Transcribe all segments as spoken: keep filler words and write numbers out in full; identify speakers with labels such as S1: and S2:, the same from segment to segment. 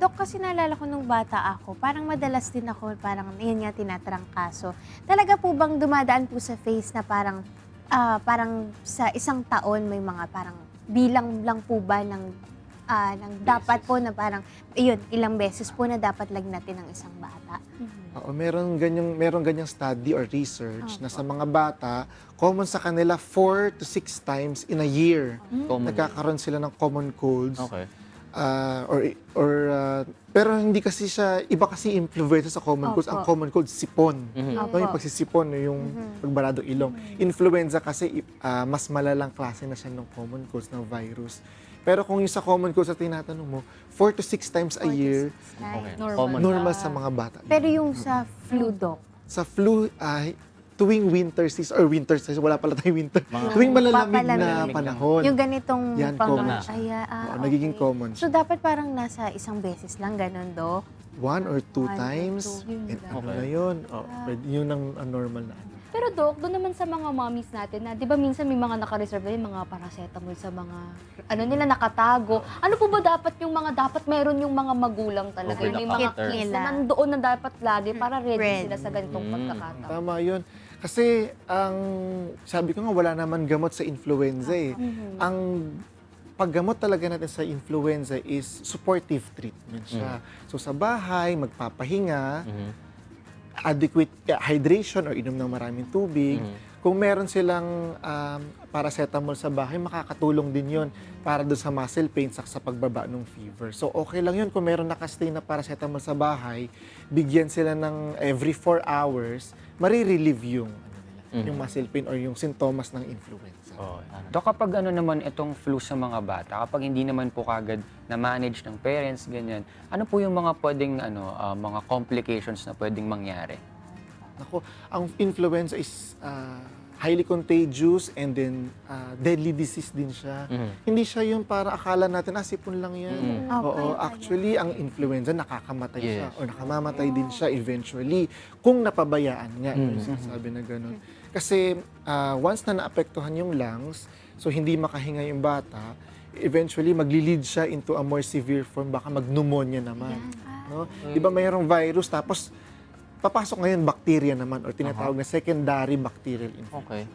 S1: Dok, kasi naalala ko nung bata ako, parang madalas din ako, parang yun nga tinatrangkaso. Talaga po bang dumadaan po sa face na parang, ah, parang sa isang taon may mga parang bilang lang po ba ng, ah, ng dapat po na parang, yun, ilang beses po na dapat lagnatin ng isang bata?
S2: Oo, meron ganyang, meron ganyang study or research na
S1: Opo.
S2: sa mga bata, common sa kanila four to six times in a year.
S3: Common.
S2: Nagkakaroon sila ng common colds.
S3: Okay.
S2: Ah, or or ah, pero hindi kasi siya, iba kasi influenza sa common colds. Ang
S1: Opo.
S2: common cold, sipon.
S3: Mhm.
S2: No, yung
S1: Opo.
S2: pagsisipon, yung pagbaradong ilong. Influenza kasi ah, mas malalang klase na siya ng common colds, ng virus. Pero kung yung sa common colds na tinatanong mo, four to six times a
S1: Four to
S2: year,
S1: six times.
S3: Okay.
S4: Normal.
S3: Common.
S2: normal sa mga bata.
S1: Pero yung sa flu, Dok,
S2: Sa flu, ay tuwing winter season, or winter season, wala pala tayong winter.
S3: Mga-
S2: Tuwing malalamig na
S1: Papalamig.
S2: panahon.
S1: yung ganitong
S2: Yan,
S1: pang-
S2: common
S3: siya.
S1: Ay, ah,
S2: Oo,
S1: okay.
S2: nagiging common
S1: So,
S2: siya.
S1: dapat parang nasa isang beses lang, ganun, Dok?
S2: One or two
S1: One or
S2: times.
S1: two, yun
S2: And
S1: lang.
S2: ano
S3: Okay.
S2: na yun? Oh, pwede- yun ang ang normal na.
S4: Pero Dok, doon naman sa mga mommies natin na, di ba minsan may mga naka-reserve na yung mga paracetamol sa mga, ano nila, nakatago. Ano po ba dapat yung mga, dapat meron yung mga magulang talaga?
S3: Okay,
S4: Yung may mga
S3: naka-counter.
S4: kits na nandoon na dapat lagi para ready
S1: Ready.
S4: sila sa ganitong
S3: Mm.
S4: pagkakataon.
S2: Tama yun. Kasi ang sabi ko nga, wala naman gamot sa influenza eh. Ang paggamot talaga natin sa influenza is supportive treatment siya. So sa bahay, magpapahinga,
S3: Mhm.
S2: adequate uh, hydration or inom ng maraming tubig.
S3: Mhm.
S2: Kung meron silang um, paracetamol sa bahay, makakatulong din yon para doon sa muscle pains at sa pagbaba ng fever. So okay lang yun kung meron nakastay na paracetamol sa bahay, bigyan sila ng every four hours, marirelieve yung, ano nila,
S3: Mhm.
S2: yung muscle pain or yung sintomas ng influenza.
S3: Oh, ano.
S5: Dok, kapag ano naman itong flu sa mga bata, kapag hindi naman po kagad na-manage ng parents, ganyan, ano po yung mga pwedeng ano, ah, mga complications na pwedeng mangyari?
S2: Ako, ang influenza is uh, highly contagious and then uh, deadly disease din siya.
S3: Mhm.
S2: Hindi siya yung para akala natin, ah, sipon lang yan.
S3: Mhm.
S2: Oo,
S1: Okay,
S2: actually, ang influenza nakakamatay siya
S3: Yes.
S2: or nakamamatay din siya eventually kung napabayaan nga, yung
S3: Mhm.
S2: sinasabi na gano'n. Kasi uh, once na naapektuhan yung lungs, so hindi makahinga yung bata, eventually magli-lead siya into a more severe form, baka mag-pneumonia naman. No? Di ba mayroong virus, tapos papasok ngayon bacteria naman or tinatawag na secondary bacterial infection.
S3: Okay.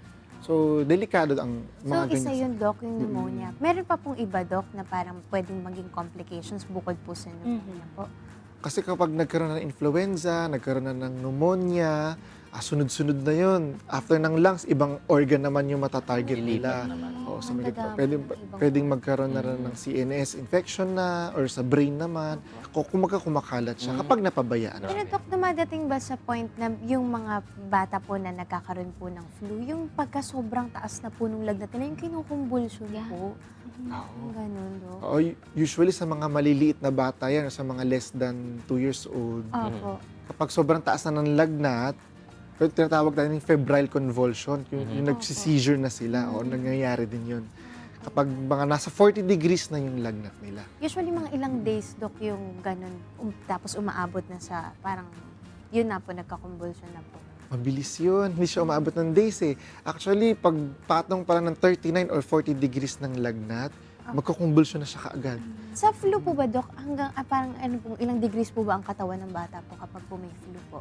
S2: So, delikado ang
S1: So,
S2: mga
S1: isa
S2: ganyan.
S1: yun, Dok, yung pneumonia. Meron pa pong iba, Dok, na parang pwedeng maging complications bukod po sa pneumonia po.
S2: Kasi kapag nagkaroon na ng influenza, nagkaroon na ng pneumonia, ah, sunod-sunod na yun. After ng lungs, ibang organ naman yung matatarget nila.
S3: Ilipat naman.
S2: Oo, so
S1: Ang
S2: may,
S1: dadami
S2: pwedeng,
S1: ng ibang-
S2: pwedeng magkaroon na rin ng C N S infection na or sa brain naman. Kung kumaga kumakalat siya kapag napabayaan.
S1: Pero, Dok, dumadating ba sa point na yung mga bata po na nagkakaroon po ng flu, yung pagka sobrang taas na po nung lagnat nila, yung kinukumbulsyon
S4: Yeah.
S1: po? Yung ganun, Dok.
S2: Oo, usually sa mga maliliit na bata yan, sa mga less than two years old,
S1: Opo.
S2: kapag sobrang taas na ng lagnat, pero tinatawag tayo ng febrile convulsion, yung, yung nagsi-seizure na sila, o nangyayari din yun. Kapag mga nasa forty degrees na yung lagnat nila.
S1: Usually, mga ilang days, Dok, yung ganun, um, tapos umaabot na sa parang, yun na po, nagkakumbulsyon na po.
S2: Mabilis yun, hindi siya umabot ng days eh. Actually, pag patong pala ng thirty-nine or forty degrees ng lagnat, magkukumbulsyon na siya kaagad.
S1: Sa flu po ba, Dok, hanggang ah, parang ano po, ilang degrees po ba ang katawan ng bata po kapag po may flu po?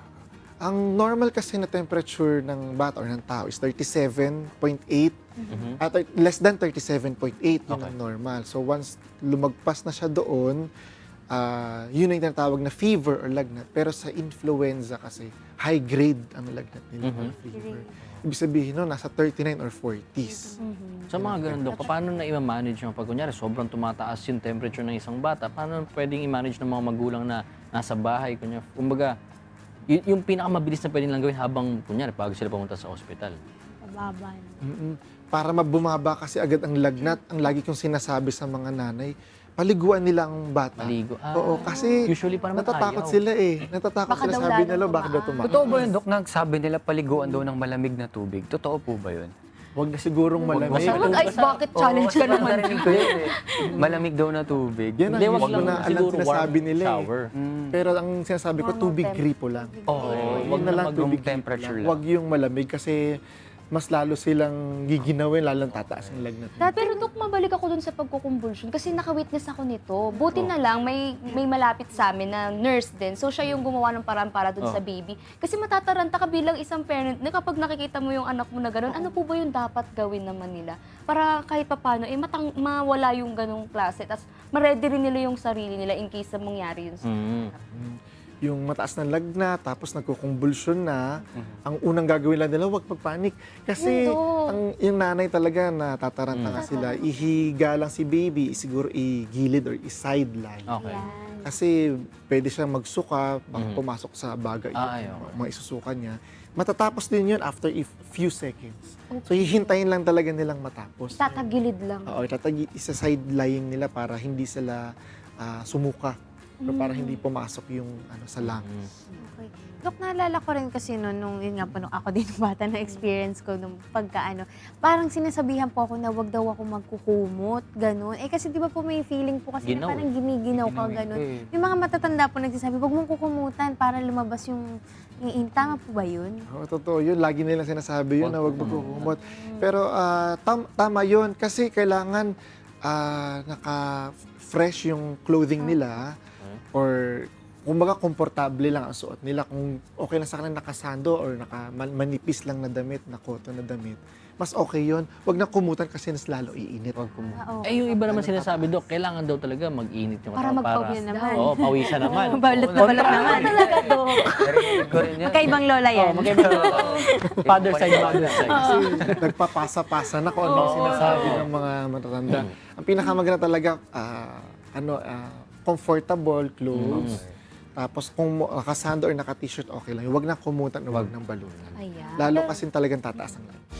S2: Ang normal kasi na temperature ng bata or ng tao is thirty-seven point eight.
S3: Mhm.
S2: At less than thirty-seven point eight, yun
S3: Okay.
S2: ang normal. So once lumagpas na siya doon, ah, yun ang tinatawag na fever or lagnat. Pero sa influenza kasi, high grade ang lagnat nila
S3: Mhm.
S2: or fever. Ibig sabihin no, nasa thirty-nine or forties.
S3: Sa mga ganun, Dok, paano na i-manage yung pag kunyari sobrang tumataas yung temperature ng isang bata? Paano pwedeng i-manage ng mga magulang na nasa bahay? Kunyari, kumbaga, y- yung pinakamabilis na pwedeng lang gawin habang, kunyari, bago sila pumunta sa ospital.
S1: Mababa na.
S2: Mm-mm. Para mabumaba kasi agad ang lagnat, ang lagi kong sinasabi sa mga nanay, paliguan nila ang bata.
S3: Maligo. Ah,
S2: Oo, kasi
S3: usually pa naman
S2: natatakot
S3: ayaw.
S2: sila eh. Natatakot
S4: Baka
S2: sila,
S4: daw
S2: sabi
S4: lalong
S2: nila, bakit daw
S4: tumaas.
S2: tumaas?
S5: Totoo ba yun, Dok? Nagsabi nila paliguan daw ng malamig na tubig. Totoo po ba yun?
S2: Huwag na sigurong malamig.
S3: Basta-
S4: Mag-ice bucket challenge ka naman.
S5: Narinig ko yun eh. Malamig daw na tubig.
S2: Yan ang
S3: Hindi, wag
S2: usual
S3: lang
S2: na alam
S3: siguro
S2: sinasabi
S3: warm
S2: nila eh.
S3: shower.
S2: Pero ang sinasabi ko,
S1: Normal
S2: tubig
S1: temp-
S2: gripo lang.
S3: Oo,
S2: Huwag
S3: wag
S2: na lang
S5: mag-
S2: tubig
S5: room temperature lang.
S2: Huwag yung malamig kasi mas lalo silang giginawin, lalong tataas ang lagnat.
S1: Dati,
S4: Pero Dok, ma'am, bumabalik ako dun sa pagkukumbulsyon kasi naka-witness ako nito. Buti na lang may may malapit sa amin na nurse din. So siya yung gumawa ng paraan para dun
S3: Oh.
S4: sa baby. Kasi matataranta ka bilang isang parent na kapag nakikita mo yung anak mo na gano'n, ano po ba yung dapat gawin naman nila? Para kahit papano, eh matang, mawala yung ganong klase. Tapos ma-ready rin nila yung sarili nila in case na mangyari yun sa
S3: Mm.
S2: Yung mataas ng lagnat, tapos nagkukumbulsyon na, ang unang gagawin lang nila, huwag magpanik. Kasi
S4: Yun, Dok.
S2: ang, yung nanay talaga na tataranta nga sila, ihiga lang si baby, siguro i-gilid or i-sideline.
S3: Okay.
S2: Kasi pwede siyang magsuka, baka
S3: Mhm.
S2: pumasok sa bagay,
S3: Ah, ay, okay.
S2: mga isusukan niya. Matatapos din yun after a few seconds. So hihintayin lang talaga nilang matapos.
S4: Tatagilid lang.
S2: Oo, tatagi isa sideline nila para hindi sila ah, sumuka. Or para hindi pumasok yung ano sa lungs.
S1: Okay. Dok, naalala ko rin kasi noon, nung yun nga po, nung ako din bata na experience ko nung pagkaano, parang sinasabihan po ako na wag daw ako magkukumot, ganun. Eh kasi di ba po may feeling po kasi
S3: Ginaw
S1: na parang
S3: eh.
S1: gumiginaw ka, ganun. Yung mga matatanda po nagsasabi, wag mong kukumutan para lumabas yung iin. Tama po ba yun?
S2: Oo, totoo yun. Lagi nilang sinasabi yun na huwag magkukumot. Pero ah, tam- tama yun kasi kailangan ah, naka-fresh yung clothing nila or kumbaga komportable lang ang suot nila. Kung okay lang sa kanila nakasando or naka man- manipis lang na damit, na cotton na damit, mas okay yun. Huwag na kumutan kasi mas lalo iinit.
S3: Wag kumu-
S1: Ah, oo.
S3: Eh, yung iba naman sinasabi, Dok, kailangan daw talaga mag-init yung
S4: Para
S3: katawan.
S4: magpawis
S1: naman.
S3: Oo, pawisan naman.
S1: Balot na balot naman.
S4: Talaga, Dok.
S5: Narinig ko rin yan.
S1: Magkaibang lola yan.
S3: Oo, magkaiba. Father side, mother side.
S2: Kasi nagpapasa-pasa na kung ano ang sinasabi ng mga matatanda. Ang pinakamaganda talaga, ah, ano, ah, comfortable clothes. Tapos kung mo- nakasando or naka-t-shirt, okay lang. Huwag na kumutan, huwag nang balutan.
S4: Ayan.
S2: Lalo kasi talagang tataas ang lahat.